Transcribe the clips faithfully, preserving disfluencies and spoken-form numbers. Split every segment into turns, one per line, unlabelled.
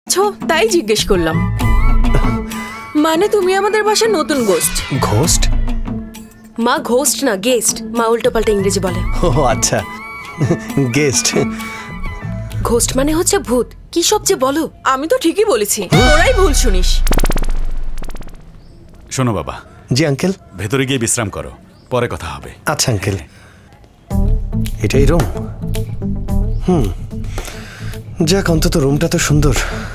ছো তাই জিজ্ঞেস করলাম। মানে তুমি আমাদের বাসার নতুন গোস্ট।
ঘোস্ট?
মা ঘোস্ট না গেস্ট, মা উল্টো পাল্টা ইংরেজি বলে।
ও আচ্ছা, গেস্ট।
ঘোস্ট মানে হচ্ছে ভূত। কি সব যে বলো।
আমি তো ঠিকই বলেছি, তোরাই ভুল শুনিস।
শোনো বাবা,
জি আঙ্কেল।
ভেতরে গিয়ে বিশ্রাম করো, পরে কথা হবে।
আচ্ছা আঙ্কেল, এটাই রুম? হুম, যাক অন্তত রুমটা তো সুন্দর।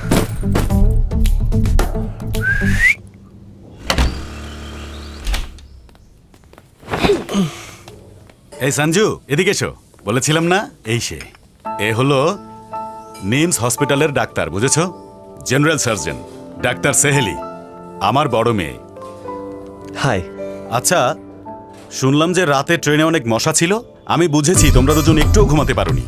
এই সঞ্জু, এদিকে এসো। বলেছিলাম না, এই সে। এ হলো নিমস হসপিটালের ডাক্তার, বুঝেছো? জেনারেল সার্জন ডাক্তার সেহেলি, আমার বড় মেয়ে।
হাই।
আচ্ছা, শুনলাম যে রাতে ট্রেনে অনেক মশা ছিল। আমি বুঝেছি তোমরা দুজন একটুও ঘুমাতে পারোনি।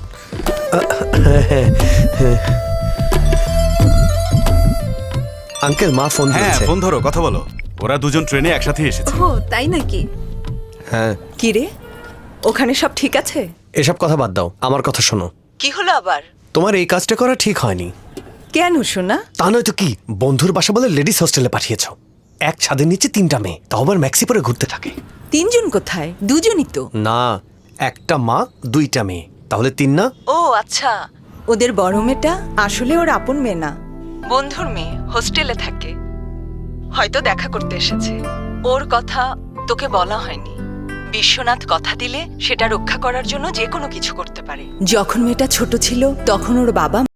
আঙ্কেল, মা ফোন
হ্যাঁ,
দিয়েছে।
ফোন ধরো, কথা বলো। ওরা দুজন ট্রেনে একসাথে এসেছে।
ও তাই নাকি?
হ্যাঁ।
কি রে, ওখানে সব ঠিক আছে?
এসব কথা বাদ দাও, আমার কথা শোনো।
কি হলো আবার?
তোমার এই কাজটা করা ঠিক হয়নি।
কেন শোনা?
তা নয়তো কি, বন্ধুর বাসা বলে লেডিস হোস্টেলে পাঠিয়েছো। এক ছাদের নিচে তিনটা মেয়ে, তাও আবার ম্যাক্সি পরে ঘুরতে থাকে।
তিনজন কোথায়? দুজনই তো।
না, একটা মা দুইটা মেয়ে, তাহলে তিন না?
ও আচ্ছা, ওদের বড় মেয়েটা আসলে ওর আপন মেয়ে না, বন্ধুর মেয়ে, হোস্টেলে থাকে। হয়তো দেখা করতে এসেছে। ওর কথা তোকে বলা হয়নি। বিশ্বনাথ কথা দিলে সেটা রক্ষা করার জন্য যে কোনো কিছু করতে পারে। যখন মেয়েটা ছোট ছিল তখন ওর বাবা